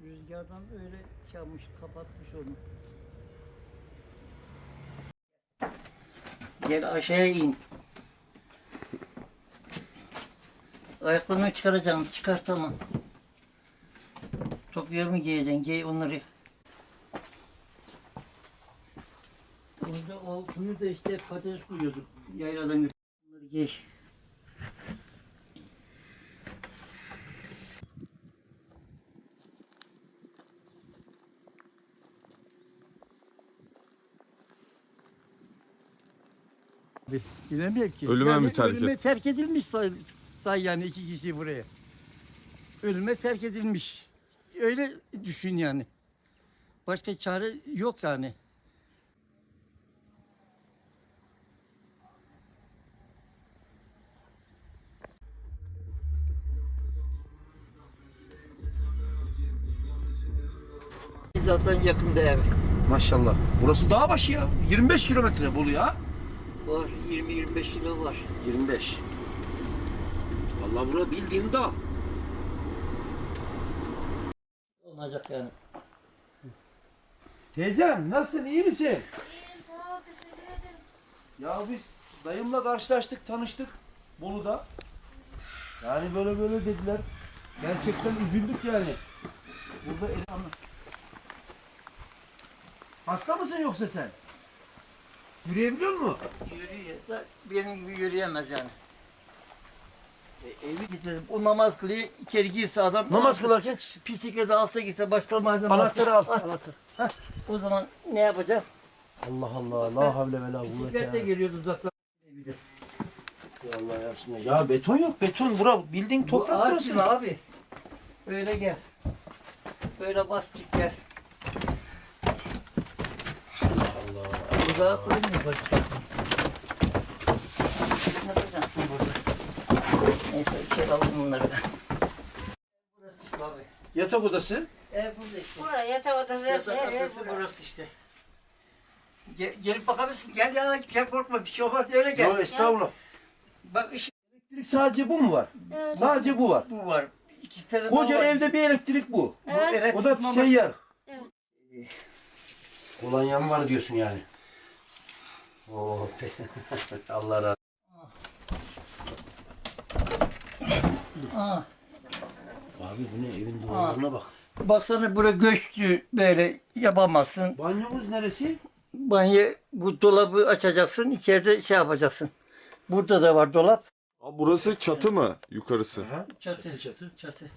Rüzgardan öyle çalmış, kapatmış onu. Gel aşağıya in. Ayaklarını çıkaracaksın, çıkartamam. Topluyor mu giyeceksin, giy onları. Orada o kuyu da işte patates kuyuyorduk. Yayladan götürdük. Bunları giy. Bilemiyorum ki. Ölüme mi terk Ölüme terk edilmiş say yani 2 kişi buraya. Ölüme terk edilmiş. Öyle düşün yani. Başka çare yok yani. Zaten yakında ev. Maşallah. Burası dağ başı ya. 25 kilometre Bolu ya. Var 20-25 kilo var. 25. Vallahi bura bildiğin dağ. Olacak yani. Teyzem nasılsın? İyi misin? İyiyim, sağ ol, teşekkür ederim. Ya biz dayımla karşılaştık, tanıştık Bolu'da. Yani böyle böyle dediler. Gerçekten üzüldük yani. Burada hasta mısın yoksa sen? Yürüyebiliyor musun? Yürüyor da benim gibi yürüyemez yani. Evi getirdim. O namaz kılıyor, içeri girse adam... Namaz kılarken Bisiklete alsa gitse başka malzeme anahtarı al. alsa, Anahtarı. o zaman ne yapacak? Allah Allah. La havle ve la kuvvete. Bisikletle geliyordu uzaktan. Allah yapsın. Ya beton yok. Beton bura bildiğin Bu toprak ağaç burası. mı abi? Böyle gel. Böyle bas çık gel. Allah. Uzağa koymuyor bak. Ne yapacaksın burada? Neyse içeri alalım bunları da. Burası işte abi. Yatak odası. Ev burada işte. Buraya yatak odası hepsi Yatak ev odası burası. burası işte. Gelip bakabilirsin. Gel ya, gel korkma, bir şey olmaz, öyle gel. Yok estağfurullah. Bak işte Elektrik sadece bu mu var? Evet. Sadece bu var. bu var. İki tane Koca daha var. evde bir elektrik bu. Evet. elektrik O da mama- seyyar. Evet. Kolonyam var diyorsun yani. Oo. Allah razı Aa, Abi bu ne evin duvarlarına bak. baksana buraya göçtü, böyle yapamazsın. Banyomuz neresi? Banyo, bu dolabı açacaksın, içeride şey yapacaksın. Burada da var dolap. Aa, burası çatı mı? Yukarısı. Aha, Çatı. çatı. Çatı.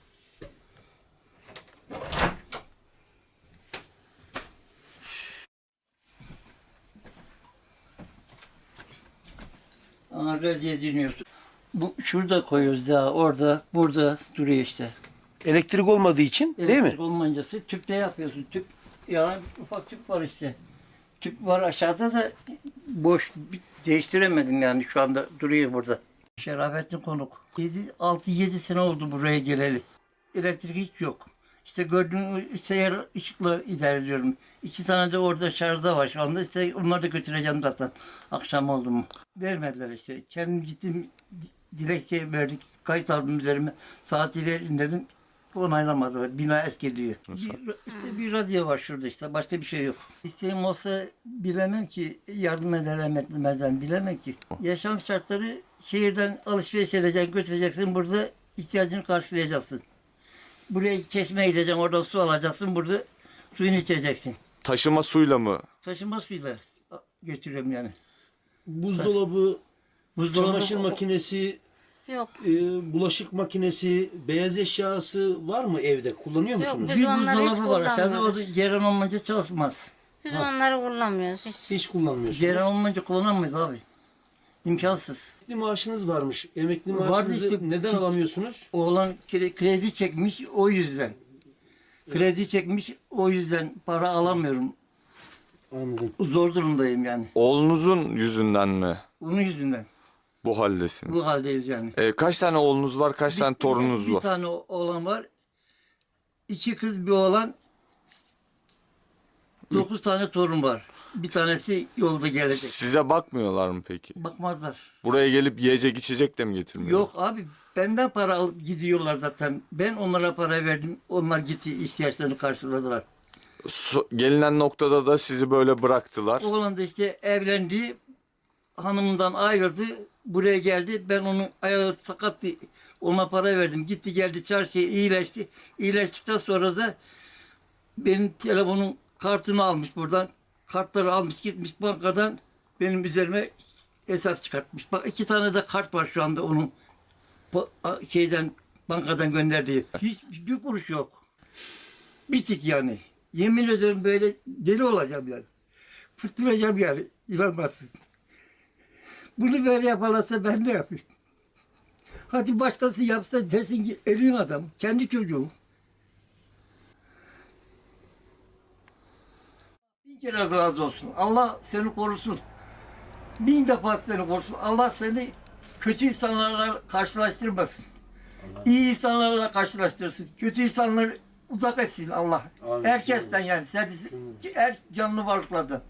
Ağrı diye dinliyorsun. Bu şurada koyuyoruz daha, orada, burada duruyor işte. Elektrik olmadığı için değil mi? Elektrik olmancası tüpte yapıyorsun. Tüp, ya ufak tüp var işte. Tüp var aşağıda da boş, değiştiremedim yani, şu anda duruyor burada. Şerafettin konuk. 6-7 sene oldu buraya geleli. Elektrik hiç yok. İşte gördüğün seyyar ışıkla idare ediyorum. 2 tane de orada şarjda var şu anda. İşte onları da götüreceğim zaten. Akşam oldu mu. Vermediler işte. Kendim gittim, dilekçe verdik. Kayıt aldım üzerime. Saati verin dedim. Onaylamadılar. Bina eski diyor. İşte bir radyo var şurada işte. Başka bir şey yok. İsteğim olsa bilemem ki, yardım ederim etmezden bilemem ki. Yaşam şartları, şehirden alışveriş edeceksin, götüreceksin. Burada ihtiyacını karşılayacaksın. Buraya çeşmeye gideceksin, oradan su alacaksın. Burada suyunu içeceksin. Taşıma suyla mı? Taşıma suyla götürüyorum yani. Buzdolabı, Buzdolabı, çamaşır makinesi, Yok. bulaşık makinesi, beyaz eşyası var mı evde? Kullanıyor musunuz? Biz bir onları hiç buzdolabı var. Aşağıda orada kullanmıyoruz. ceyran olmayınca çalışmaz. Biz onları kullanmıyoruz hiç. Hiç kullanmıyorsunuz. Ceyran olmayınca kullanamayız abi. İmkansız. Emekli maaşınız varmış. Emekli Vardı maaşınızı işte, neden siz- alamıyorsunuz? Oğlan kredi çekmiş, o yüzden. Kredi çekmiş, o yüzden para alamıyorum. Anladım. Zor durumdayım yani. Oğlunuzun yüzünden mi Onun yüzünden. bu haldesin? Bu haldeyiz yani. Kaç tane oğlunuz var? Kaç tane torununuz Bir var? tane oğlan var. 2 kız, bir oğlan. 9 tane torun var. Bir tanesi yolda gelecek. Size bakmıyorlar mı peki? Bakmazlar. Buraya gelip yiyecek içecek de mi getirmiyorlar? Yok abi, benden para alıp gidiyorlar zaten. Ben onlara para verdim. Onlar gitti, ihtiyaçlarını karşıladılar. Gelinen noktada da sizi böyle bıraktılar. Oğlan da işte evlendi. Hanımından ayrıldı. Buraya geldi. Ben onun ayağı sakattı. Ona para verdim. Gitti geldi çarşıya, iyileşti. İyileştikten sonra da benim telefonun kartını almış buradan. Kartları almış gitmiş bankadan benim üzerime hesap çıkartmış. Bak 2 tane de kart var şu anda onun şeyden, bankadan gönderdiği. Hiç bir kuruş yok. Bitik yani. Yemin ederim böyle deli olacağım yani. Fırtıracağım yani. İnanmazsın. Bunu böyle yaparlarsa ben ne yapayım? Hadi başkası yapsa dersin ki elin adam, kendi çocuğum. Bin kere razı olsun. Allah seni korusun. 1000 defa seni korusun. Allah seni kötü insanlarla karşılaştırmasın. İyi insanlarla karşılaştırsın. Kötü insanları uzak etsin Allah. Amin. Herkesten yani. Her canlı varlıklardan.